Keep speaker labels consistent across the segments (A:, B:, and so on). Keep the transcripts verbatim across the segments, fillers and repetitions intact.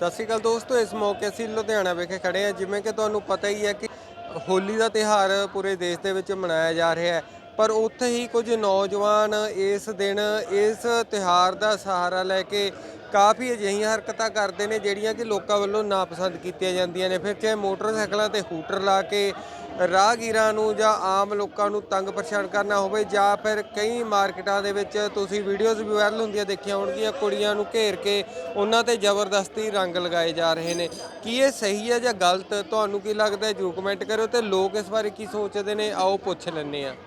A: ਸਤਿ ਸ਼੍ਰੀ ਅਕਾਲ ਦੋਸਤੋ, ਇਸ ਮੌਕੇ ਅਸੀਂ ਲੁਧਿਆਣਾ ਵਿਖੇ ਖੜੇ ਹਾਂ। ਜਿਵੇਂ ਕਿ ਤੁਹਾਨੂੰ ਪਤਾ ਹੀ ਹੈ ਕਿ ਹੋਲੀ ਦਾ ਤਿਉਹਾਰ ਪੂਰੇ ਦੇਸ਼ ਦੇ ਵਿੱਚ ਮਨਾਇਆ ਜਾ ਰਿਹਾ ਹੈ, ਪਰ ਉੱਥੇ ਹੀ ਕੁਝ ਨੌਜਵਾਨ ਇਸ ਦਿਨ ਇਸ ਤਿਉਹਾਰ ਦਾ ਸਹਾਰਾ ਲੈ ਕੇ ਕਾਫੀ ਅਜਿਹੀਆਂ ਹਰਕਤਾਂ ਕਰਦੇ ਨੇ ਜਿਹੜੀਆਂ ਕਿ ਲੋਕਾਂ ਵੱਲੋਂ ਨਾਪਸੰਦ ਕੀਤੀਆਂ ਜਾਂਦੀਆਂ ਨੇ। ਫਿਰ ਚਾਹੇ ਮੋਟਰਸਾਈਕਲਾਂ 'ਤੇ ਹੂਟਰ ਲਾ ਕੇ ਰਾਹਗੀਰਾਂ ਨੂੰ ਜਾਂ ਆਮ ਲੋਕਾਂ ਨੂੰ ਤੰਗ ਪਰੇਸ਼ਾਨ ਕਰਨਾ ਹੋਵੇ, ਜਾਂ ਫਿਰ ਕਈ ਮਾਰਕੀਟਾਂ ਦੇ ਵਿੱਚ ਤੁਸੀਂ ਵੀਡੀਓਜ਼ ਵੀ ਵਾਇਰਲ ਹੁੰਦੀਆਂ ਦੇਖੀਆਂ ਹੋਣਗੀਆਂ, ਕੁੜੀਆਂ ਨੂੰ ਘੇਰ ਕੇ ਉਹਨਾਂ 'ਤੇ ਜ਼ਬਰਦਸਤੀ ਰੰਗ ਲਗਾਏ ਜਾ ਰਹੇ ਨੇ। ਕੀ ਇਹ ਸਹੀ ਹੈ ਜਾਂ ਗਲਤ? ਤੁਹਾਨੂੰ ਕੀ ਲੱਗਦਾ ਜਰੂਰ ਕਮੈਂਟ ਕਰਿਓ। ਤੇ ਲੋਕ ਇਸ ਬਾਰੇ ਕੀ ਸੋਚਦੇ ਨੇ, ਆਓ ਪੁੱਛ ਲੈਂਦੇ ਹਾਂ।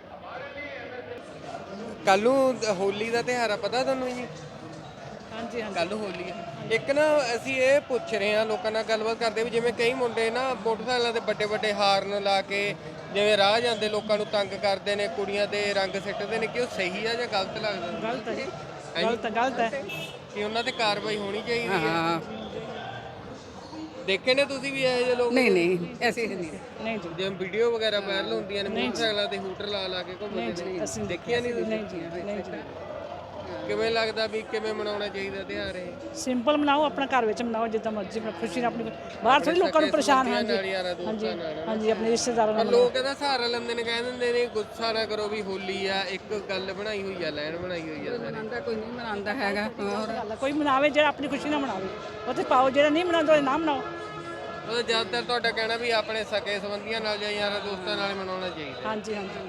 A: ਕੱਲ ਨੂੰ ਹੋਲੀ ਦਾ ਤਿਉਹਾਰ ਆ, ਪਤਾ ਤੁਹਾਨੂੰ ਜੀ?
B: ਹਾਂਜੀ ਹਾਂਜੀ
A: ਕੱਲ ਹੋਲੀ ਹੈ। ਇੱਕ ਨਾ ਅਸੀਂ ਇਹ ਪੁੱਛ ਰਹੇ ਹਾਂ, ਲੋਕਾਂ ਨਾਲ ਗੱਲਬਾਤ ਕਰਦੇ ਵੀ ਜਿਵੇਂ ਕਈ ਮੁੰਡੇ ਨਾ ਮੋਟਰਸਾਈਕਲਾਂ ਤੇ ਵੱਡੇ ਵੱਡੇ ਹਾਰਨ ਲਾ ਕੇ ਜਿਵੇਂ ਰਾਹ ਜਾਂਦੇ ਲੋਕਾਂ ਨੂੰ ਤੰਗ ਕਰਦੇ ਨੇ, ਕੁੜੀਆਂ ਤੇ ਰੰਗ ਸਿੱਟਦੇ ਨੇ, ਕਿ ਉਹ ਸਹੀ ਆ ਜਾਂ ਗਲਤ ਲੱਗਦਾ?
B: ਗਲਤ ਹੈ ਜੀ, ਗਲਤ ਗਲਤ ਹੈ
A: ਕਿ ਉਹਨਾਂ ਤੇ ਕਾਰਵਾਈ ਹੋਣੀ ਚਾਹੀਦੀ ਹੈ।
C: ਹਾਂ
A: ਦੇਖੇ ਨੇ ਤੁਸੀਂ ਵੀ ਇਹੋ ਜਿਹੇ ਲੋਕ?
C: ਨਹੀਂ ਨਹੀਂ ਐਸੇ ਨਹੀਂ
B: ਨਹੀਂ ਜੀ,
A: ਜਿਵੇਂ ਵੀਡੀਓ ਵਗੈਰਾ ਵਾਇਰਲ ਹੁੰਦੀਆਂ ਨੇ ਮੋਟਰਸਾਈਕਲਾਂ ਤੇ ਹੂਟਰ ਲਾ ਲਾ ਕੇ ਘੁੰਮਦੇ ਨੇ,
B: ਅਸੀਂ
A: ਦੇਖਿਆ ਨਹੀਂ ਤੁਸੀਂ?
B: ਨਹੀਂ ਜੀ ਨਹੀਂ ਜੀ।
A: ਕਿਵੇਂ ਲੱਗਦਾ ਵੀ ਕਿਵੇਂ ਮਨਾਉਣਾ ਚਾਹੀਦਾ ਤਿਉਹਾਰ ਇਹ?
B: ਸਿੰਪਲ ਮਨਾਓ, ਆਪਣਾ ਘਰ ਵਿੱਚ ਮਨਾਓ ਜਿੱਦਾਂ ਮਰਜ਼ੀ, ਆਪਣੀ ਖੁਸ਼ੀ ਨਾਲ। ਆਪਣੀ ਬਾਹਰ ਥੋੜੀ ਲੋਕਾਂ ਨੂੰ ਪਰੇਸ਼ਾਨ। ਹਾਂਜੀ
A: ਨਾਲ ਯਾਰਾਂ ਦੋਸਤਾਂ
B: ਹਾਂਜੀ
A: ਨਾਲ।
B: ਹਾਂਜੀ ਆਪਣੇ ਰਿਸ਼ਤੇਦਾਰਾਂ
A: ਪਰ
B: ਨਾਲ
A: ਲੋਕ ਇਹਦਾ ਸਹਾਰਾ ਲੈਂਦੇ ਨੇ, ਕਹਿ ਦਿੰਦੇ ਨੇ ਗੁੱਸਾ ਨਾ ਕਰੋ ਵੀ ਹੋਲੀ ਆ, ਇੱਕ ਗੱਲ ਬਣਾਈ ਹੋਈ ਆ, ਲਾਈਨ ਬਣਾਈ ਹੋਈ ਆ।
C: ਮਨਾਉਂਦਾ ਕੋਈ ਨਹੀਂ ਮਨਾਉਂਦਾ ਹੈਗਾ। ਹੋਰ
B: ਗੱਲ ਆ, ਕੋਈ ਮਨਾਵੇ ਜਿਹੜਾ ਆਪਣੀ ਖੁਸ਼ੀ ਨਾਲ ਮਨਾਵੇ, ਉੱਥੇ ਪਾਓ। ਜਿਹੜਾ ਨਹੀਂ ਮਨਾਉਂਦਾ ਉਹਦੇ ਨਾ ਮਨਾਓ।
A: ਉਹ ਜ਼ਿਆਦਾਤਰ ਤੁਹਾਡਾ ਕਹਿਣਾ ਵੀ ਆਪਣੇ ਸਕੇ ਸੰਬੰਧੀਆਂ ਨਾਲ ਜਾਂ ਯਾਰਾਂ ਦੋਸਤਾਂ ਨਾਲ ਮਨਾਉਣਾ ਚਾਹੀਦਾ।
B: ਹਾਂਜੀ ਹਾਂਜੀ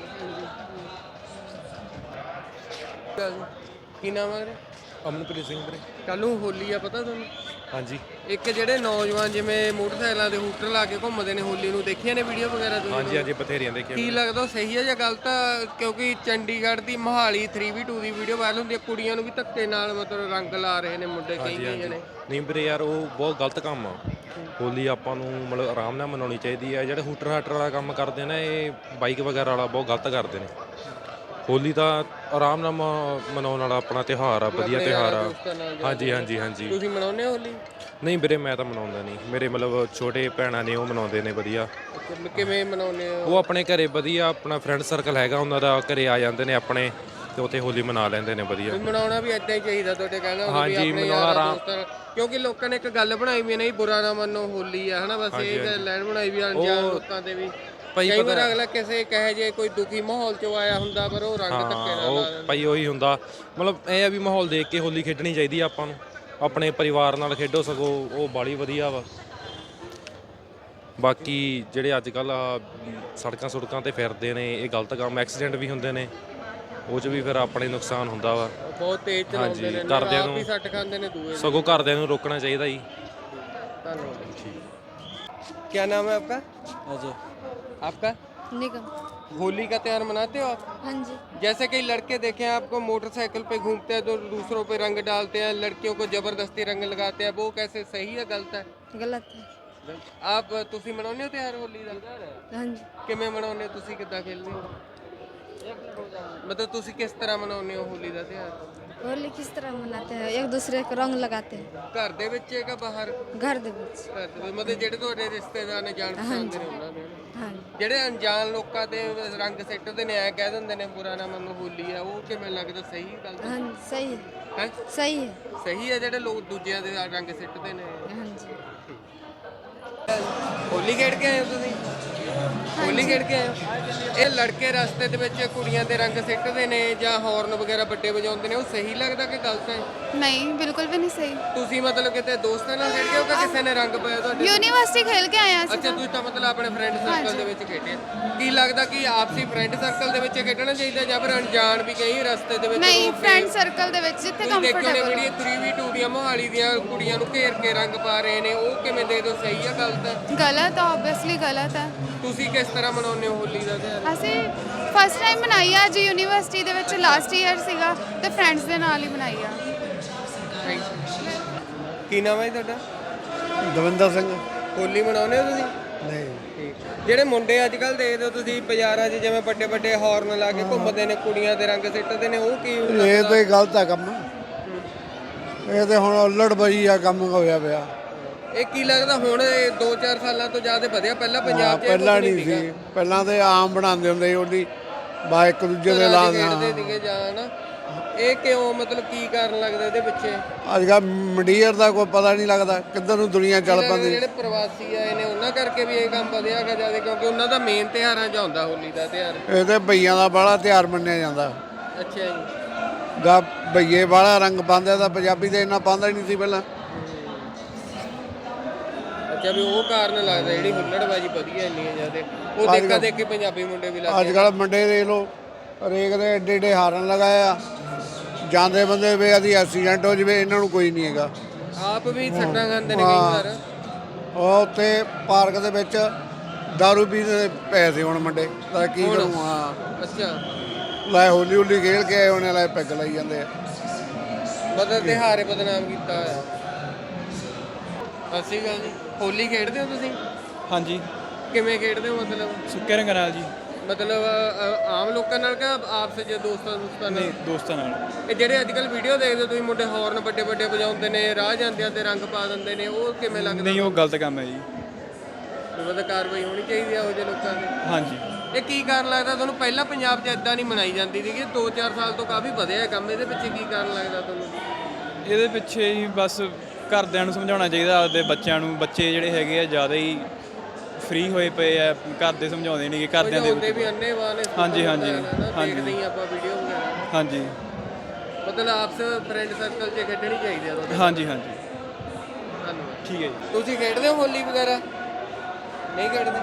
A: ਹਾਂਜੀ। ਕੀ ਨਾਮ ਹੈ?
D: ਅਮਨਪ੍ਰੀਤ ਸਿੰਘ ਵੀਰੇ।
A: ਕੱਲ ਨੂੰ ਹੋਲੀ ਆ, ਪਤਾ ਤੁਹਾਨੂੰ?
D: ਹਾਂਜੀ
A: ਇੱਕ ਜਿਹੜੇ ਨੌਜਵਾਨ ਜਿਵੇਂ ਮੋਟਰਸਾਈਕਲਾਂ ਦੇ ਹੂਟਰ ਲਾ ਕੇ ਘੁੰਮਦੇ ਨੇ ਹੋਲੀ ਨੂੰ, ਦੇਖੀਆਂ ਨੇ ਵੀਡੀਓ ਵਗੈਰਾ ਤੁਸੀਂ?
D: ਹਾਂਜੀ ਹਾਂਜੀ ਬਥੇਰੀਆਂ ਦੇਖੀਆਂ।
A: ਕੀ ਲੱਗਦਾ ਉਹ ਸਹੀ ਹੈ ਜਾਂ ਗਲਤ ਆ? ਕਿਉਂਕਿ ਚੰਡੀਗੜ੍ਹ ਦੀ ਮੋਹਾਲੀ ਥ੍ਰੀ ਵੀ ਟੂ ਦੀ ਵੀਡੀਓ ਵਾਇਰਲ ਹੁੰਦੀ ਹੈ, ਕੁੜੀਆਂ ਨੂੰ ਵੀ ਧੱਕੇ ਨਾਲ ਮਤਲਬ ਰੰਗ ਲਾ ਰਹੇ ਨੇ ਮੁੰਡੇ ਕਈ ਕਈ ਜਣੇ।
D: ਨਹੀਂ ਵੀਰੇ ਯਾਰ, ਉਹ ਬਹੁਤ ਗਲਤ ਕੰਮ ਆ। ਹੋਲੀ ਆਪਾਂ ਨੂੰ ਮਤਲਬ ਆਰਾਮ ਨਾਲ ਮਨਾਉਣੀ ਚਾਹੀਦੀ ਹੈ। ਜਿਹੜੇ ਹੂਟਰ ਹਾਟਰ ਵਾਲਾ ਕੰਮ ਕਰਦੇ ਨੇ, ਇਹ ਬਾਈਕ ਵਗੈਰਾ ਵਾਲਾ ਬਹੁਤ ਗਲਤ ਕਰਦੇ ਨੇ। ਹੋਲੀ ਤਾਂ ਆਰਾਮ ਨਾਲ ਮਨਾਉਣ ਵਾਲਾ ਆਪਣਾ ਤਿਉਹਾਰ ਆ, ਵਧੀਆ ਤਿਉਹਾਰ ਆ। ਹਾਂਜੀ ਹਾਂਜੀ ਹਾਂਜੀ।
A: ਤੁਸੀਂ ਮਨਾਉਂਦੇ ਹੋ ਹੋਲੀ?
D: ਨਹੀਂ ਵੀਰੇ, ਮੈਂ ਤਾਂ ਮਨਾਉਂਦਾ ਨਹੀਂ। ਮੇਰੇ ਮਤਲਬ ਛੋਟੇ ਭੈਣਾਂ ਨੇ, ਉਹ ਮਨਾਉਂਦੇ ਨੇ ਵਧੀਆ।
A: ਕਿਵੇਂ ਮਨਾਉਂਦੇ ਹੋ?
D: ਉਹ ਆਪਣੇ ਘਰੇ ਵਧੀਆ, ਆਪਣਾ ਫਰੈਂਡ ਸਰਕਲ ਹੈਗਾ ਉਹਨਾਂ ਦਾ, ਘਰੇ ਆ ਜਾਂਦੇ ਨੇ ਆਪਣੇ ਤੇ ਉੱਥੇ ਹੋਲੀ ਮਨਾ ਲੈਂਦੇ ਨੇ ਵਧੀਆ।
A: ਮਨਾਉਣਾ ਵੀ ਏਦਾਂ ਹੀ ਚਾਹੀਦਾ ਤੁਹਾਡੇ ਕਹਿਣਾ?
D: ਹਾਂਜੀ ਮਨਾਉਣਾ ਆਰਾਮ।
A: ਕਿਉਂਕਿ ਲੋਕਾਂ ਨੇ ਇੱਕ ਗੱਲ ਬਣਾਈ ਵੀ ਨਹੀਂ, ਬੁਰਾ ਨਾ ਮੰਨੋ ਹੋਲੀ ਆ, ਹਨਾ? ਬਸ ਇਹ ਲਾਈਨ ਬਣਾਈ ਵੀ ਅਣਜਾਣ ਲੋਕਾਂ ਦੇ ਵੀ। ਕਈ ਵਾਰ ਅਗਲਾ ਕਿਸੇ ਕਹੇ ਜੇ ਕੋਈ ਦੁਖੀ ਮਾਹੌਲ ਚੋਂ ਆਇਆ ਹੁੰਦਾ, ਪਰ ਉਹ ਰੰਗ ਧੱਕੇ ਨਾਲ ਲਾ ਦਿੰਦਾ।
D: ਭਾਈ ਉਹੀ ਹੁੰਦਾ, ਮਤਲਬ ਇਹ ਆ ਵੀ ਮਾਹੌਲ ਦੇਖ ਕੇ ਹੋਲੀ ਖੇਡਣੀ ਚਾਹੀਦੀ ਆ ਆਪਾਂ ਨੂੰ। ਆਪਣੇ ਪਰਿਵਾਰ ਨਾਲ ਖੇਡੋ, ਸਗੋਂ ਉਹ ਬਾਲੀ ਵਧੀਆ ਵਾ। ਬਾਕੀ ਜਿਹੜੇ ਅੱਜ ਕੱਲ ਸੜਕਾਂ ਸੁੜਕਾਂ ਤੇ ਫਿਰਦੇ ਨੇ, ਇਹ ਗਲਤ ਕੰਮ, ਐਕਸੀਡੈਂਟ ਵੀ ਹੁੰਦੇ ਨੇ, ਉਹ 'ਚ ਵੀ ਫਿਰ ਆਪਣੇ ਨੁਕਸਾਨ ਹੁੰਦਾ ਵਾ।
A: ਬਹੁਤ ਤੇਜ਼ ਚਲਾਉਂਦੇ ਨੇ,
D: ਘਰਦਿਆਂ ਨੂੰ
A: ਸੱਟ ਖਾਂਦੇ ਨੇ ਦੂਏ।
D: ਸਗੋਂ ਘਰਦਿਆਂ ਨੂੰ ਰੋਕਣਾ ਚਾਹੀਦਾ ਜੀ।
A: ਧੰਨਵਾਦ। क्या नाम है आपका?
E: अजय।
A: आपका?
F: निगम।
A: होली का त्यौहार मनाते हो आप?
F: हाँ जी।
A: जैसे कई लड़के देखे हैं आपको मोटरसाइकिल पे घूमते हैं तो दूसरों पे रंग डालते हैं, लड़कियों को जबरदस्ती रंग लगाते हैं, वो कैसे सही है गलत है?
F: गलत है।
A: आप ਤੁਸੀਂ ਮਨਾਉਂਦੇ ਹੋ ਤਿਉਹਾਰ ਹੋਲੀ ਦਾ?
F: हाँ जी।
A: ਕਿਵੇਂ ਮਨਾਉਂਦੇ ਹੋ ਤੁਸੀਂ? ਕਿੱਦਾਂ ਖੇਲਦੇ ਹੋ? ਮਤਲਬ ਤੁਸੀਂ ਕਿਸ ਤਰ੍ਹਾਂ ਮਨਾਉਂਦੇ ਹੋ ਹੋਲੀ ਦਾ ਤਿਉਹਾਰ?
F: होली किस तरह मनाते हैं? एक दूसरे को रंग लगाते हैं।
A: ਘਰ ਦੇ ਵਿੱਚ ਹੈ ਕਿ ਬਾਹਰ?
F: घर दे विच।
A: ਘਰ ਦੇ ਵਿੱਚ। ਮਤਲਬ ਜਿਹੜੇ ਤੁਹਾਡੇ ਰਿਸ਼ਤੇਦਾਰ ਨੇ, ਜਾਣ ਪਛਾਣ ਦੇ ਨੇ, ਉਹਨਾਂ ਦੇ?
F: हाँ जी।
A: ਜਿਹੜੇ ਅਣਜਾਣ ਲੋਕਾਂ ਤੇ ਰੰਗ ਸਿੱਟਦੇ ਨੇ, ਐ ਕਹਿ ਦਿੰਦੇ ਨੇ ਬੁਰਾ ਨਾ ਮੰਨੋ ਹੋਲੀ ਆ, ਉਹ ਕਿਵੇਂ ਲੱਗਦਾ? ਸਹੀ ਗੱਲ
F: हाँ जी, सही है।
A: ਹੈ?
F: सही है।
A: ਸਹੀ ਹੈ ਜਿਹੜੇ ਲੋਕ ਦੂਜਿਆਂ ਦੇ ਰੰਗ ਸਿੱਟਦੇ ਨੇ?
F: हाँ जी।
A: ਹੋਲੀ ਖੇਡ ਕੇ ਆਏ ਹੋ ਤੁਸੀਂ? ਹੋਲੀ ਖੇਡ ਕੇ ਆਏ ਹੋ? ਇਹ ਲੜਕੇ ਰਸਤੇ ਦੇ ਵਿੱਚ ਕੁੜੀਆਂ ਦੇ ਰੰਗ ਸਿੱਟਦੇ ਨੇ ਜਾਂ ਹਾਰਨ ਵਗੈਰਾ ਵੱਡੇ ਵਜਾਉਂਦੇ ਨੇ, ਉਹ ਸਹੀ ਲੱਗਦਾ ਕਿ ਗਲਤ ਹੈ?
G: नहीं बिल्कुल भी नहीं सही।
A: ਤੁਸੀਂ ਮਤਲਬ ਕਿਤੇ ਦੋਸਤਾਂ ਨਾਲ ਖੇਡ ਕੇ ਹੋ ਕਿ ਕਿਸੇ ਨੇ ਰੰਗ ਪਾਇਆ ਤੁਹਾਡੇ?
G: यूनिवर्सिटी खेल के आए हैं।
A: ਅੱਛਾ, ਤੁਸੀਂ ਤਾਂ ਮਤਲਬ ਆਪਣੇ ਫਰੈਂਡ ਸਰਕਲ ਦੇ ਵਿੱਚ ਖੇਡੇ। ਕੀ ਲੱਗਦਾ ਕਿ ਆਪਸੀ ਫਰੈਂਡ ਸਰਕਲ ਦੇ ਵਿੱਚ ਖੇਡਣਾ ਚਾਹੀਦਾ ਜਾਂ ਫਿਰ ਅਣਜਾਣ ਵੀ ਕਈ ਰਸਤੇ ਦੇ ਵਿੱਚ?
G: नहीं
A: ਰੋਕ ਕੇ-
G: फ्रेंड सर्कल दे विच जिथे
A: ਤੁਸੀਂ ਦੇਖੋ ਨੇ
G: कंफर्टेबल
A: ਜਿਹੜੀ ਥ੍ਰੀ ਵੀ ਟੂ ਦੀਆਂ ਮੋਹਾਲੀ ਦੀਆਂ ਕੁੜੀਆਂ ਨੂੰ ਘੇਰ ਕੇ ਰੰਗ ਪਾ ਰਹੇ ਨੇ, ਉਹ ਕਿਵੇਂ ਦੇ ਦੋ? ਸਹੀ ਆ ਗਲਤ ਹੈ?
G: गलत है, ऑब्वियसली गलत है।
A: ਤੁਸੀਂ ਕਿਸ ਤਰ੍ਹਾਂ ਮਨਾਉਂਦੇ ਹੋ ਹੋਲੀ ਦਾ ਤਿਉਹਾਰ?
G: ਅਸੀਂ ਫਸਟ ਟਾਈਮ ਮਨਾਈ ਆ ਜੀ ਯੂਨੀਵਰਸਿਟੀ ਦੇ ਵਿੱਚ, ਲਾਸਟ ਈਅਰ ਸੀਗਾ ਤੇ ਫਰੈਂਡਸ ਦੇ ਨਾਲ ਹੀ ਮਨਾਈ ਆ।
A: ਕੀ ਨਾਮ ਹੈ ਜੀ ਤੁਹਾਡਾ?
E: ਦਵਿੰਦਰ ਸਿੰਘ।
A: ਹੋਲੀ ਮਨਾਉਂਦੇ ਹੋ ਤੁਸੀਂ?
E: ਨਹੀਂ।
A: ਜਿਹੜੇ ਮੁੰਡੇ ਅੱਜ ਕੱਲ ਦੇਖਦੇ ਹੋ ਤੁਸੀਂ ਬਾਜ਼ਾਰਾਂ 'ਚ ਜਿਵੇਂ ਵੱਡੇ ਵੱਡੇ ਹਾਰਨ ਲਾ ਕੇ ਘੁੰਮਦੇ ਨੇ, ਕੁੜੀਆਂ ਦੇ ਰੰਗ ਸਿੱਟਦੇ ਨੇ, ਉਹ ਕੀ?
E: ਇਹ ਤੇ ਗਲਤ ਆ ਕੰਮ। ਇਹ ਤੇ ਹੁਣ ਉਲੜਬਜੀ ਆ ਕੰਮ ਹੋਇਆ ਪਿਆ।
A: ਇਹ ਕੀ ਲੱਗਦਾ ਹੁਣ ਇਹ ਦੋ ਚਾਰ ਸਾਲਾਂ ਤੋਂ ਜ਼ਿਆਦਾ ਵਧਿਆ? ਪਹਿਲਾਂ ਪੰਜਾਬ 'ਚ ਇਹ
E: ਪਹਿਲਾਂ
A: ਕੁਛ
E: ਨਹੀਂ
A: ਸੀਗਾ।
E: ਸੀ, ਪਹਿਲਾਂ ਤੇ ਆਮ ਬਣਾਉਂਦੇ ਹੁੰਦੇ ਸੀ। ਉਹਦੀ ਬਾ ਇੱਕ ਦੂਜੇ ਦੇ ਲਾ
A: ਖੇਡਦੇ ਸੀਗੇ ਜਾਂ ਨਾ। ਇਹ ਕਿਉਂ ਮਤਲਬ ਕੀ ਕਾਰਨ ਲੱਗਦਾ ਇਹਦੇ ਪਿੱਛੇ?
E: ਅੱਜ ਕੱਲ੍ਹ ਮੰਡੀਰ ਦਾ ਕੋਈ ਪਤਾ ਨਹੀਂ ਲੱਗਦਾ ਕਿੱਧਰ ਨੂੰ ਦੁਨੀਆ ਚੱਲ ਪੈਂਦੀ।
A: ਜਿਹੜੇ ਪ੍ਰਵਾਸੀ ਆਏ ਨੇ ਉਹਨਾਂ ਕਰਕੇ ਵੀ ਇਹ ਕੰਮ ਵਧਿਆ ਹੈਗਾ ਜਿਆਦਾ, ਕਿਉਂਕਿ ਉਹਨਾਂ ਦਾ ਮੇਨ ਤਿਉਹਾਰਾਂ 'ਚ ਆਉਂਦਾ ਹੋਲੀ ਦਾ ਤਿਉਹਾਰ।
E: ਇਹ ਤੇ ਭਈਆਂ ਦਾ ਬੜਾ ਤਿਉਹਾਰ ਮੰਨਿਆ ਜਾਂਦਾ।
A: ਅੱਛਾ ਜੀ।
E: ਦਾ ਭਈਏ ਵਾਲਾ ਰੰਗ ਪਾਉਂਦੇ ਤਾਂ ਪੰਜਾਬੀ ਤੇ ਇੰਨਾ ਪਾਉਂਦਾ ਹੀ ਨਹੀਂ ਸੀ ਪਹਿਲਾਂ।
A: ਅੱਛਾ ਵੀ ਉਹ ਕਾਰਨ ਲੱਗਦਾ ਜਿਹੜੀ ਹੁੱਲੜਬਾਜੀ ਵਧੀਆ ਇੰਨੀ ਹੈ ਜਿਆਦਾ, ਉਹ ਦੇਖਾ ਦੇਖ ਕੇ ਪੰਜਾਬੀ ਮੁੰਡੇ ਵੀ ਲੱਗ
E: ਅੱਜ ਕੱਲ੍ਹ ਮੁੰਡੇ ਦੇਖ ਲਓ ਹਰੇਕ ਦੇ ਏਡੇ ਏਡੇ ਹਾਰਨ ਲਗਾਏ ਆ, ਜਾਂਦੇ ਬੰਦੇ ਵੇ ਆਦੀ ਐਕਸੀਡੈਂਟ ਹੋ ਜਵੇ, ਇਹਨਾਂ ਨੂੰ ਕੋਈ ਨਹੀਂ ਹੈਗਾ।
A: ਆਪ ਵੀ ਸੱਟਾਂ ਖਾਂਦੇ ਨੇ ਕਈ ਵਾਰ।
E: ਉਹ ਉੱਥੇ ਪਾਰਕ ਦੇ ਵਿੱਚ ਦਾਰੂ ਪੀਂਦੇ ਪਏ ਸੀ ਹੁਣ ਮੁੰਡੇ, ਤਾਂ ਕੀ
A: ਹੁਣ?
E: ਕਰੂੰ। ਹਾਂ
A: ਅੱਛਾ
E: ਲੈ ਹੋਲੀ ਹੋਲੀ ਖੇਲ ਕੇ ਆਏ ਉਹਨੇ ਲੈ ਪੈਗ ਲਾਈ ਜਾਂਦੇ ਆ।
A: ਮਤਲਬ ਤਿਉਹਾਰੇ ਬਦਨਾਮ ਕੀਤਾ ਹੋਇਆ। ਸਤਿ ਸ਼੍ਰੀ ਅਕਾਲ ਜੀ। ਹੋਲੀ ਖੇਡਦੇ ਹੋ ਤੁਸੀਂ?
H: ਹਾਂਜੀ,
A: ਕਿਵੇਂ ਖੇਡਦੇ ਹੋ ਮਤਲਬ?
H: ਸੁੱਕੇ ਰੰਗ ਨਾਲ ਜੀ।
A: ਮਤਲਬ ਅ, ਆਮ ਲੋਕਾਂ ਨਾਲ ਕਿ ਆਪਸ ਵਿੱਚ ਦੋਸਤਾਂ ਦੋਸਤਾਂ ਨਾਲ?
H: ਨਹੀਂ, ਦੋਸਤਾਂ ਨਾਲ।
A: ਇਹ ਜਿਹੜੇ ਅੱਜ ਕੱਲ ਵੀਡੀਓ ਦੇਖਦੇ ਹੋ ਤੁਸੀਂ, ਮੁੰਡੇ ਹੌਰਨ ਵੱਡੇ ਵੱਡੇ ਵਜਾਉਂਦੇ ਨੇ, ਰਾਹ ਜਾਂਦਿਆਂ ਤੇ ਰੰਗ ਪਾ ਦਿੰਦੇ ਨੇ, ਉਹ ਕਿਵੇਂ ਲੱਗਦਾ?
H: ਨਹੀਂ, ਉਹ ਗਲਤ ਕੰਮ ਹੈ ਜੀ।
A: ਮਤਲਬ ਕਾਰਵਾਈ ਹੋਣੀ ਚਾਹੀਦੀ ਆ ਉਹ ਜਿਹੇ ਲੋਕਾਂ ਦੀ।
H: ਹਾਂਜੀ,
A: ਇਹ ਕੀ ਕਾਰਨ ਲੱਗਦਾ ਤੁਹਾਨੂੰ? ਪਹਿਲਾਂ ਪੰਜਾਬ 'ਚ ਇਦਾਂ ਨਹੀਂ ਮਨਾਈ ਜਾਂਦੀ ਸੀਗੀ, ਦੋ ਚਾਰ ਸਾਲ ਤੋਂ ਕਾਫੀ ਵਧਿਆ ਹੈ ਕੰਮ। ਇਹਦੇ ਪਿੱਛੇ ਕੀ ਕਾਰਨ ਲੱਗਦਾ ਤੁਹਾਨੂੰ?
H: ਇਹਦੇ ਪਿੱਛੇ ਹੀ ਬਸ ਘਰਦਿਆਂ ਨੂੰ ਸਮਝਾਉਣਾ ਚਾਹੀਦਾ ਆਪਦੇ ਬੱਚਿਆਂ ਨੂੰ। ਬੱਚੇ ਜਿਹੜੇ ਹੈਗੇ ਆ ਜ਼ਿਆਦਾ ਹੀ ਫ੍ਰੀ ਹੋਏ ਪਏ ਆ, ਘਰ ਦੇ ਸਮਝਾਉਂਦੇ ਨਹੀਂ ਕਿ ਘਰਦਿਆਂ ਦੇ
A: ਹੁੰਦੇ ਵੀ ਅੰਨੇ ਵਾਲੇ।
H: ਹਾਂਜੀ, ਹਾਂਜੀ, ਹਾਂਜੀ।
A: ਦੇਖਦੇ ਹੀ ਆਪਾਂ ਵੀਡੀਓ ਵਗੈਰਾ।
H: ਹਾਂਜੀ,
A: ਮਤਲਬ ਆਪਸ ਫਰੈਂਡ ਸਰਕਲ 'ਚ ਖੇਡਣੀ ਚਾਹੀਦੀ ਆ ਤੁਹਾਡੇ?
H: ਹਾਂਜੀ, ਹਾਂਜੀ।
A: ਧੰਨਵਾਦ।
H: ਠੀਕ ਹੈ ਜੀ।
A: ਤੁਸੀਂ ਖੇਡਦੇ ਹੋ ਹੋਲੀ ਵਗੈਰਾ? ਨਹੀਂ ਖੇਡਦੇ?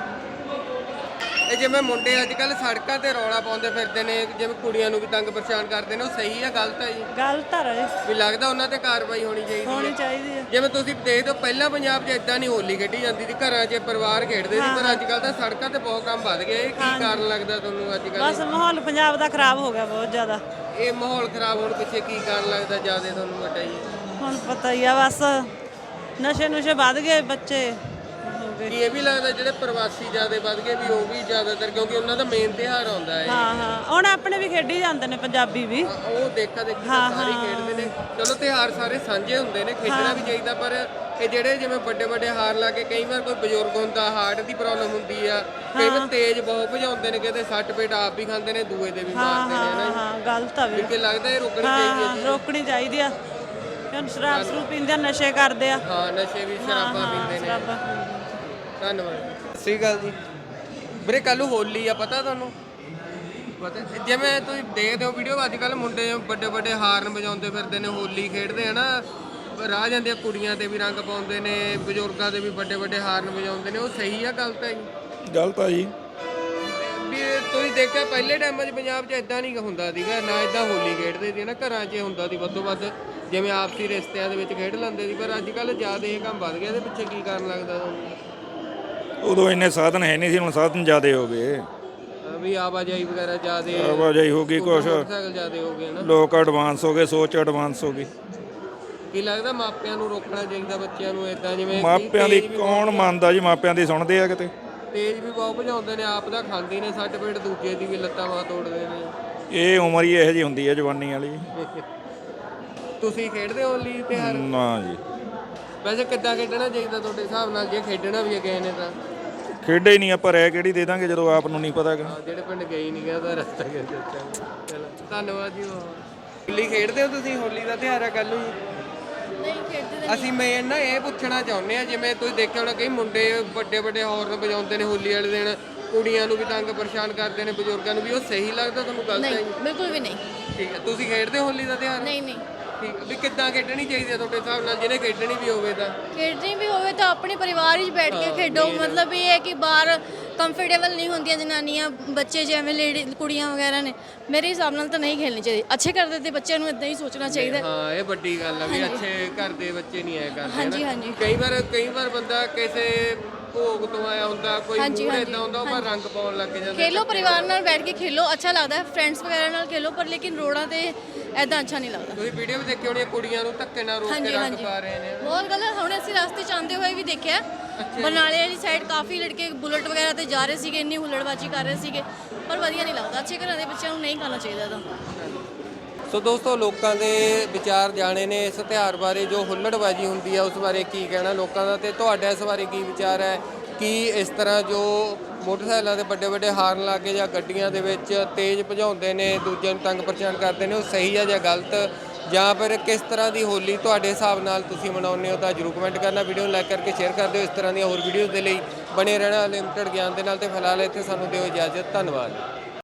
A: ਇਹ ਜਿਵੇਂ ਮੁੰਡੇ ਅੱਜ ਕੱਲ ਸੜਕਾਂ ਤੇ ਰੌਲਾ ਪਾਉਂਦੇ ਫਿਰਦੇ ਨੇ, ਜਿਵੇਂ ਕੁੜੀਆਂ ਨੂੰ ਵੀ ਤੰਗ ਪਰੇਸ਼ਾਨ ਕਰਦੇ ਨੇ, ਉਹ ਸਹੀ ਹੈ ਗਲਤ ਹੈ ਜੀ?
B: ਗਲਤ ਆ ਰਹੇ
A: ਵੀ ਲੱਗਦਾ ਉਹਨਾਂ ਤੇ ਕਾਰਵਾਈ ਹੋਣੀ ਚਾਹੀਦੀ ਹੈ?
B: ਹੋਣੀ ਚਾਹੀਦੀ ਹੈ।
A: ਜਿਵੇਂ ਤੁਸੀਂ ਦੇਖਦੇ ਹੋ ਪਹਿਲਾਂ ਪੰਜਾਬ 'ਚ ਇਦਾਂ ਨਹੀਂ ਹੋਲੀ ਖੇਡੀ ਜਾਂਦੀ ਸੀ, ਘਰਾਂ 'ਚ ਪਰਿਵਾਰ ਖੇਡਦੇ ਸੀ, ਪਰ ਅੱਜ ਕੱਲ ਤਾਂ ਸੜਕਾਂ ਤੇ ਬਹੁਤ ਕੰਮ ਵੱਧ ਗਿਆ। ਇਹ ਕੀ ਕਾਰਨ ਲੱਗਦਾ ਤੁਹਾਨੂੰ ਅੱਜ ਕੱਲ?
B: ਬਸ ਮਾਹੌਲ ਪੰਜਾਬ ਦਾ ਖਰਾਬ ਹੋ ਗਿਆ ਬਹੁਤ ਜ਼ਿਆਦਾ।
A: ਇਹ ਮਾਹੌਲ ਖਰਾਬ ਹੋਣ ਪਿੱਛੇ ਕੀ ਕਾਰਨ ਲੱਗਦਾ ਜ਼ਿਆਦਾ ਤੁਹਾਨੂੰ ਵੱਡਾ ਜੀ?
B: ਹੁਣ ਪਤਾ ਹੀ ਆ, ਬਸ ਨਸ਼ੇ ਨੁਸ਼ੇ ਵੱਧ ਗਏ, ਬੱਚੇ ਹੋ ਗਏ।
A: ਕੀ ਇਹ ਵੀ ਲੱਗਦਾ ਜਿਹੜੇ ਪ੍ਰਵਾਸੀ ਜ਼ਿਆਦਾ ਵੱਧ ਗਏ ਵੀ ਉਹ ਵੀ ਜ਼ਿਆਦਾਤਰ, ਕਿਉਂਕਿ ਉਹਨਾਂ ਦਾ ਮੇਨ ਤਿਉਹਾਰ ਆਉਂਦਾ ਹੈ?
B: ਹਾਂ ਹਾਂ, ਹੁਣ ਆਪਣੇ ਵੀ ਖੇਡੀ ਜਾਂਦੇ ਨੇ ਪੰਜਾਬੀ ਵੀ।
A: ਉਹ ਦੇਖਾ ਦੇਖੀ ਤਾਂ ਸਾਰੇ ਖੇਡਦੇ ਨੇ। ਚਲੋ ਤਿਉਹਾਰ ਸਾਰੇ ਸਾਂਝੇ ਹੁੰਦੇ ਨੇ, ਖੇਡਣਾ ਵੀ ਚਾਹੀਦਾ, ਪਰ ਇਹ ਜਿਹੜੇ ਜਿਵੇਂ ਵੱਡੇ ਵੱਡੇ ਹਾਰ ਲਾ ਕੇ, ਕਈ ਵਾਰ ਕੋਈ ਬਜ਼ੁਰਗ ਹੁੰਦਾ, ਹਾਰਟ ਦੀ ਪ੍ਰੋਬਲਮ ਹੁੰਦੀ ਆ, ਕਈ ਵਾਰ ਤੇਜ਼ ਬਹੁਤ ਭਜਾਉਂਦੇ ਨੇ, ਕਿਤੇ ਸੱਟ ਪੇਟ ਆਪ ਵੀ ਖਾਂਦੇ ਨੇ, ਦੂਏ ਦੇ ਵੀ ਮਾਰਦੇ ਨੇ ਨਾ।
B: ਹਾਂ, ਗਲਤ ਆ ਵੀ।
A: ਕਿ ਲੱਗਦਾ ਇਹ ਰੋਕਣੀ ਚਾਹੀਦੀ ਹੈ
B: ਹਾਂ,
A: ਜੀ?
B: ਰੋਕਣੀ ਚਾਹੀਦੀ ਆ। ਹੁਣ ਸ਼ਰਾਬ ਸ਼ਰੂਬ ਪੀਂਦੇ ਆ, ਨਸ਼ੇ ਕਰਦੇ ਆ।
A: ਹਾਂ, ਨਸ਼ੇ ਵੀ ਸ਼ਰਾਬਾਂ ਪੀਂਦੇ ਨੇ।
B: ਸ਼ਰਾਬਾਂ।
A: ਧੰਨਵਾਦ। ਸਤਿ ਸ਼੍ਰੀ ਅਕਾਲ ਜੀ। ਵੀਰੇ ਕੱਲ ਨੂੰ ਹੋਲੀ ਆ, ਪਤਾ ਤੁਹਾਨੂੰ? ਪਤਾ ਜਿਵੇਂ ਤੁਸੀਂ ਦੇਖਦੇ ਹੋ ਵੀਡੀਓ, ਅੱਜ ਕੱਲ ਮੁੰਡੇ ਵੱਡੇ ਵੱਡੇ ਹਾਰਨ ਵਜਾਉਂਦੇ ਫਿਰਦੇ ਨੇ, ਹੋਲੀ ਖੇਡਦੇ ਆ ਨਾ, ਰਾਹ ਜਾਂਦੀਆਂ ਕੁੜੀਆਂ ਤੇ ਵੀ ਰੰਗ ਪਾਉਂਦੇ ਨੇ, ਬਜ਼ੁਰਗਾਂ ਦੇ ਵੀ ਵੱਡੇ ਵੱਡੇ ਹਾਰਨ ਵਜਾਉਂਦੇ ਨੇ, ਉਹ ਸਹੀ ਆ ਗਲਤ ਹੈ ਜੀ?
E: ਗਲਤ ਆ ਜੀ।
A: ਵੀ ਤੁਸੀਂ ਦੇਖਿਆ ਪਹਿਲੇ ਟਾਈਮਾਂ 'ਚ ਪੰਜਾਬ 'ਚ ਇਦਾਂ ਨਹੀਂ ਹੁੰਦਾ ਸੀਗਾ, ਨਾ ਇਦਾਂ ਹੋਲੀ ਖੇਡਦੇ ਸੀ ਨਾ, ਘਰਾਂ 'ਚ ਹੁੰਦਾ ਸੀ ਵੱਧੋ ਵੱਧ, ਜਿਵੇਂ ਆਪਸੀ ਰਿਸ਼ਤਿਆਂ ਦੇ ਵਿੱਚ ਖੇਡ ਲੈਂਦੇ ਸੀ, ਪਰ ਅੱਜ ਕੱਲ ਜ਼ਿਆਦਾ ਇਹ ਕੰਮ ਵੱਧ ਗਿਆ। ਇਹਦੇ ਪਿੱਛੇ ਕੀ ਕਾਰਨ ਲੱਗਦਾ ਤੁਹਾਨੂੰ?
I: ਉਦੋਂ ਇੰਨੇ ਸਾਧਨ ਹੈ ਨਹੀਂ ਸੀ, ਹੁਣ ਸਾਧਨ ਜ਼ਿਆਦੇ ਹੋ ਗਏ।
A: ਵੀ ਆਵਾਜਾਈ ਵਗੈਰਾ ਜ਼ਿਆਦੇ,
I: ਆਵਾਜਾਈ ਹੋ ਗਈ, ਕੁਛ
A: ਮੋਟਰਸਾਈਕਲ ਜ਼ਿਆਦੇ ਹੋ ਗਏ ਨਾ,
I: ਲੋਕ ਐਡਵਾਂਸ ਹੋ ਗਏ, ਸੋਚ ਐਡਵਾਂਸ ਹੋ ਗਈ।
A: ਕੀ ਲੱਗਦਾ ਮਾਪਿਆਂ ਨੂੰ ਰੋਕਣਾ ਚਾਹੀਦਾ ਬੱਚਿਆਂ ਨੂੰ ਇਦਾਂ? ਜਿਵੇਂ
I: ਮਾਪਿਆਂ ਦੀ ਕੌਣ ਮੰਨਦਾ ਜੀ, ਮਾਪਿਆਂ ਦੀ ਸੁਣਦੇ ਆ ਕਿਤੇ?
A: ਤੇਜ਼ ਵੀ ਬਹੁਤ ਭਜਾਉਂਦੇ ਨੇ, ਆਪ ਦਾ ਖਾਂਦੇ ਨੇ, ਸੱਟ ਪੇਟ ਦੂਜੇ ਦੀ ਵੀ ਲੱਤਾਂ ਬਾਹਾਂ ਤੋੜਦੇ ਨੇ।
I: ਇਹ ਉਮਰ ਹੀ ਇਹੋ ਜਿਹੀ ਹੁੰਦੀ ਹੈ ਜਵਾਨੀ ਵਾਲੀ।
A: ਤੁਸੀਂ ਖੇਡਦੇ ਹੋ ਹੋਲੀ ਤਿਉਹਾਰ?
I: ਨਾ ਜੀ।
A: ਵੈਸੇ ਕਿੱਦਾਂ ਖੇਡਣਾ ਚਾਹੀਦਾ ਤੁਹਾਡੇ ਹਿਸਾਬ ਨਾਲ, ਜੇ ਖੇਡਣਾ ਵੀ ਹੈ ਕਿਸੇ ਨੇ ਤਾਂ?
I: ਖੇਡੇ ਹੀ ਨਹੀਂ ਆਪਾਂ, ਰਹਿ ਕਿਹੜੀ ਦੇ ਦਾਂਗੇ ਜਦੋਂ ਆਪ ਨੂੰ ਨਹੀਂ ਪਤਾ ਕਿ।
A: ਹਾਂ, ਜਿਹੜੇ ਪਿੰਡ ਗਏ ਨਹੀਂ ਗਿਆ ਤਾਂ ਰਸਤਾ ਕਿੱਥੇ ਚੱਲਦਾ। ਚਲੋ ਧੰਨਵਾਦ ਜੀ। ਹੋਲੀ ਖੇਡਦੇ ਹੋ ਤੁਸੀਂ? ਹੋਲੀ ਦਾ ਤਿਉਹਾਰ ਹੈ ਕੱਲ ਨੂੰ ਜੀ।
F: ਨਹੀਂ ਖੇਡਦੇ
A: ਅਸੀਂ ਮੈਂ ਨਾ ਇਹ ਪੁੱਛਣਾ ਚਾਹੁੰਦੇ ਆ, ਜਿਵੇਂ ਤੁਸੀਂ ਦੇਖਿਆ ਹੋਣਾ ਕਈ ਮੁੰਡੇ ਵੱਡੇ ਵੱਡੇ ਹੌਰਨ ਵਜਾਉਂਦੇ ਨੇ ਹੋਲੀ ਵਾਲੇ ਦਿਨ, ਕੁੜੀਆਂ ਨੂੰ ਵੀ ਤੰਗ ਪਰੇਸ਼ਾਨ ਕਰਦੇ ਨੇ, ਬਜ਼ੁਰਗਾਂ ਨੂੰ ਵੀ, ਉਹ ਸਹੀ ਲੱਗਦਾ ਤੁਹਾਨੂੰ? ਗਲਤ ਹੈ ਜੀ?
F: ਬਿਲਕੁਲ ਵੀ ਨਹੀਂ।
A: ਠੀਕ ਹੈ। ਤੁਸੀਂ ਖੇਡਦੇ ਹੋ ਹੋਲੀ ਦਾ ਤਿਉਹਾਰ?
F: ਨਹੀਂ ਨਹੀਂ
A: ਠੀਕ ਹੈ। ਵੀ ਕਿੱਦਾਂ ਖੇਡਣੀ ਚਾਹੀਦੀ ਹੈ ਤੁਹਾਡੇ ਹਿਸਾਬ ਨਾਲ, ਜਿਹਨੇ ਖੇਡਣੀ ਵੀ ਹੋਵੇ ਤਾਂ?
F: ਖੇਡਣੀ ਵੀ ਹੋਵੇ ਤਾਂ ਆਪਣੇ ਪਰਿਵਾਰ ਵਿੱਚ ਬੈਠ ਕੇ ਖੇਡੋ। ਮਤਲਬ ਇਹ ਹੈ ਕਿ ਬਾਹਰ ਕੰਫਰਟੇਬਲ ਨਹੀਂ ਹੁੰਦੀਆਂ ਜਨਾਨੀਆਂ, ਬੱਚੇ ਜਿਵੇਂ ਲੇਡੀ ਕੁੜੀਆਂ ਵਗੈਰਾ ਨੇ, ਮੇਰੇ ਹਿਸਾਬ ਨਾਲ ਤਾਂ ਨਹੀਂ ਖੇਡਣੀ ਚਾਹੀਦੀ। ਅੱਛੇ ਕਰਦੇ ਤੇ ਬੱਚਿਆਂ ਨੂੰ ਇਦਾਂ ਹੀ ਸੋਚਣਾ ਚਾਹੀਦਾ।
A: ਹਾਂ, ਇਹ ਵੱਡੀ ਗੱਲ ਆ ਵੀ ਅੱਛੇ ਘਰ ਦੇ ਬੱਚੇ ਨਹੀਂ ਆਇਆ ਕਰਦੇ।
F: ਹਾਂਜੀ ਹਾਂਜੀ
A: ਕਈ ਵਾਰ ਕਈ ਵਾਰ ਬੰਦਾ ਕਿਸੇ ਭੋਗ ਤੋਂ ਆਇਆ ਹੁੰਦਾ, ਕੋਈ ਮੂਡ ਇਦਾਂ ਹੁੰਦਾ, ਉਹ ਪਰ ਰੰਗ ਪਾਉਣ ਲੱਗ ਜਾਂਦਾ।
F: ਖੇਲੋ, ਪਰਿਵਾਰ ਨਾਲ ਬੈਠ ਕੇ ਖੇਲੋ, ਅੱਛਾ ਲੱਗਦਾ ਹੈ। ਫਰੈਂਡਸ ਵਗੈਰਾ ਨਾਲ ਖੇਲੋ, ਪਰ ਲੇਕਿਨ ਰੋਡਾਂ ਤੇ ਐਦਾਂ ਅੱਛਾ ਨਹੀਂ ਲੱਗਦਾ।
A: ਤੁਸੀਂ ਵੀਡੀਓ ਵੀ ਦੇਖੀ ਹੋਣੀ, ਕੁੜੀਆਂ ਨੂੰ ਧੱਕੇ ਨਾਲ ਰੋਕ ਕੇ ਰੰਗ ਪਾ ਰਹੇ ਨੇ।
F: ਬਹੁਤ ਗਲਤ। ਹੁਣ ਅਸੀਂ ਰਸਤੇ 'ਚ ਆਉਂਦੇ ਹੋਏ ਵੀ ਦੇਖਿਆ, ਬਰਨਾਲੇ ਵਾਲੀ ਸਾਈਡ ਕਾਫੀ ਲੜਕੇ ਬੁਲਟ ਵਗੈਰਾ ਤੇ ਜਾ ਰਹੇ ਸੀਗੇ, ਇੰਨੀ ਹੁੱਲੜਬਾਜੀ ਕਰ ਰਹੇ ਸੀਗੇ, ਪਰ ਵਧੀਆ ਨਹੀਂ ਲੱਗਦਾ। ਅੱਛੇ ਘਰਾਂ ਦੇ ਬੱਚਿਆਂ ਨੂੰ ਨਹੀਂ ਕਰਨਾ ਚਾਹੀਦਾ ਤਾਂ।
A: ਸੋ ਦੋਸਤੋ, ਲੋਕਾਂ ਦੇ ਵਿਚਾਰ ਜਾਣੇ ਨੇ ਇਸ ਤਿਉਹਾਰ ਬਾਰੇ, ਜੋ ਹੁੱਲੜਬਾਜੀ ਹੁੰਦੀ ਹੈ ਉਸ ਬਾਰੇ ਕੀ ਕਹਿਣਾ ਲੋਕਾਂ ਦਾ, ਤੇ ਤੁਹਾਡਾ ਇਸ ਬਾਰੇ ਕੀ ਵਿਚਾਰ ਹੈ, ਕੀ ਇਸ ਤਰ੍ਹਾਂ ਜੋ ਮੋਟਰਸਾਈਕਲਾਂ ਦੇ ਵੱਡੇ ਵੱਡੇ ਹਾਰਨ ਲਾ ਕੇ ਜਾਂ ਗੱਡੀਆਂ ਦੇ ਵਿੱਚ ਤੇਜ਼ ਭਜਾਉਂਦੇ ਨੇ, ਦੂਜਿਆਂ ਨੂੰ ਤੰਗ ਪਰੇਸ਼ਾਨ ਕਰਦੇ ਨੇ, ਉਹ ਸਹੀ ਆ ਜਾਂ ਗਲਤ, ਜਾਂ ਫਿਰ ਕਿਸ ਤਰ੍ਹਾਂ ਦੀ ਹੋਲੀ ਤੁਹਾਡੇ ਹਿਸਾਬ ਨਾਲ ਤੁਸੀਂ ਮਨਾਉਂਦੇ ਹੋ? ਤਾਂ ਜਰੂਰ ਕਮੈਂਟ ਕਰਨਾ, ਵੀਡੀਓ ਨੂੰ ਲਾਈਕ ਕਰਕੇ ਸ਼ੇਅਰ ਕਰ ਦਿਓ। ਇਸ ਤਰ੍ਹਾਂ ਦੀਆਂ ਹੋਰ ਵੀਡੀਓਜ਼ ਦੇ ਲਈ ਬਣੇ ਰਹਿਣਾ ਲਿਮਟਿਡ ਗਿਆਨ ਦੇ ਨਾਲ। ਤੇ ਫਿਲਹਾਲ ਇੱਥੇ ਸਾਨੂੰ ਦਿਓ ਇਜਾਜ਼ਤ। ਧੰਨਵਾਦ।